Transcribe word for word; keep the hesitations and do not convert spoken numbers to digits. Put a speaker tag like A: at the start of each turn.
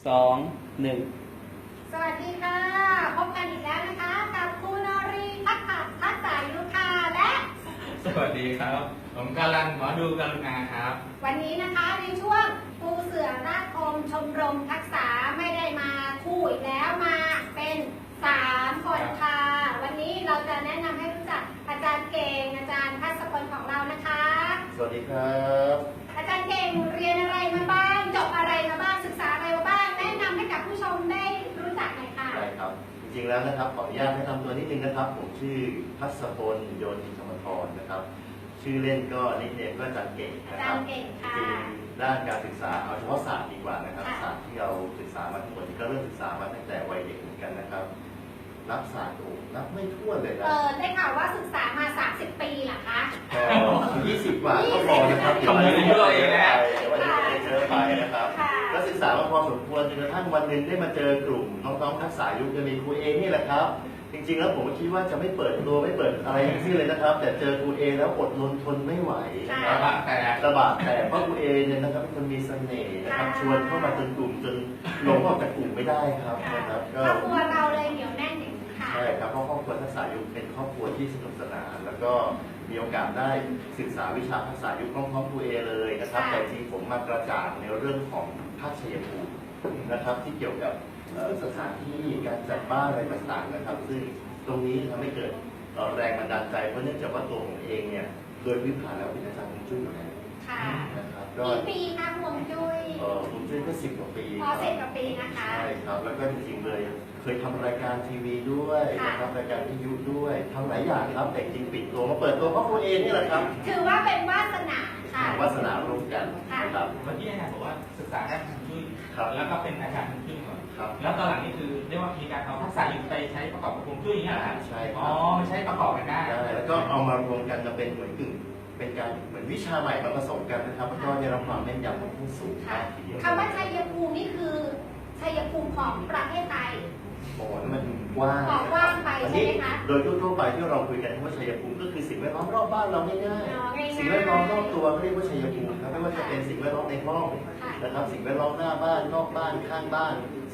A: สองหนึ่ง
B: สวัสดีค่ะพบกันอีกแล้วนะคะกับครูนรีทักษะทักษะยุทาและ
C: สวัสดีครับผมกาลันหมอดูกรุณาครับ
B: วันนี้นะคะในช่วงครูเสือราชคมชมรมทักษะไม่ได้มาคู่อีกแล้วมาเป็นสามคนค่ะวันนี้เราจะแนะนำให้รู้จักอาจารย์เก่งอาจารย์พัศพลของเรานะคะ
D: สวัสดีครับ
B: อาจารย์เก่งเรียนอะไรมาบ้างจบอะไรมาบ้างศึกษาอะไรมาบ้างแนะนำให้กับผู้ชมได้รู้จักหน่อยค่ะ
D: ได้ครับจริงๆแล้วนะครับขออนุญาตแนะนำตัวนิดนึงนะครับผมชื่อพัศพลโยธิธรรมธรนะครับชื่อเล่นก็นิกเนมก็อาจารย์เก่งนะครับจริงด้านการศึกษาเอาเฉพาะศาสตร์ดีกว่านะครับศาสตร์ที่เราศึกษามาทั้งหมดก็เริ่มศึกษามาตั้งแต่วัยเด็กเหมือนกันนะครับรับศาสตร์โอ้รับไม่ทั่วเลยนะ
B: เออได้ข่าวว่าศึกษามาสามสิบปีเหรอคะ
D: ก็ยี่สิบกว่าก็พอนะครับเดี๋ยววันนี้เยอะเดี๋ยววันนี้เยอะไปนะครับก็ศึกษามาพอสมควรจนกระทั่งวันหนึ่งได้มาเจอกลุ่มน้องๆทักษะยุคจะมีครูเอนี่แหละครับจริงๆแล้วผมคิดว่าจะไม่เปิดตัวไม่เปิดอะไรทั้งสิ้นเลยนะครับแต่เจอครูเอแล้วอดทนทนไม่ไหวนะครับ
C: แต่
D: ระบาดแต่เพราะครูเอเนี่ยนะครับเป็นคนมีเสน่ห์นะครับชวนเข้ามาจนกลุ่มจนลงออกจากกลุ่มไม่ได้ครับนะครับ
B: ก็ครอบครัวเราเลยเหนียวแน่นอย่างนี้ค่ะ
D: ใช่ครับเพราะครอบครัวทักษะยุคเป็นครอบครัวที่สนุกสนานแล้วก็มีโอกาสได้ศึกษาวิชาทักษะยุคพร้อมๆครูเอเลยนะครับแต่จริงผมมากระจ่างในเรื่องของภาคชัยภูมินะครับที่เกี่ยวกับสถานที่การจัดบ้านอะไรต่างๆนะครับซึ่งตรงนี้ทำให้เกิดแรงบันดาลใจเพราะเนื่องจากว่าตัวผมเองเนี่ยโดยพื้นฐานแล้วเป็นอาจารย์ฮวงจุ้ยอยู่แล้วนะครับ
B: ก็กี่ปีคะฮวงจุ้ย
D: เออฮวงจุ้ยก็สิบกว่าปี
B: พอสิบกว่าปีนะคะ
D: ใช่ครับแล้วก็จริงๆเลยเคยทำรายการทีวีด้วยนะครับรายการวิทยุด้วยทำหลายอย่างครับแต่จริงปิดตัวมาเปิดตัวเพราะตัวเองนี่แหละครับ
B: ถือว่าเป็นวาสนาค่ะ
D: วาสนาร่วมกันนะครับ
C: เมื่อกี้อาจารย์บอกว่าศึกษาด้านฮวงจุ้ยแล้วก็เป็นอาจารย์ฮวงจุ้ยก่อน
D: ครับ
C: แล้วตอนหลังนี่คือเรียกว่ามีการเอาทักษะยุคไปใช้ประกอบกับฮวงจุ้ยอย่างเงี้ยเหรอ
D: ใช่
C: อ๋อไม่ใช่ประกอบกันได้
D: แล้วก็เอามารวมกันจะเป็นเหมือนกึ่งเป็นการเหมือนวิชาใหม่มาผสมกันนะครับแล้วก็ได้รับความแม่นยำของผู้สูงมากทีเดียว
B: คำว่าชัยภูมินี่คือชัยภูมิของประเทศไทย
D: โอ้มันกว้าง
B: กว้างไปใช่ไหมคะ
D: โดยทั่วไปที่เราคุยกันว่าชัยภูมิก็คือสิ่งแวดล้อมรอบบ้านเราง่ายๆสิ่งแวดล้อมรอบตัวเรียกว่าชัยภูมิครับไม่ว่าจะเป็นสิ่งแวดล้อมในห้องนะครับสิ่งแวดล้อมหน้าบ้านนอกบ้านข้างบ้าน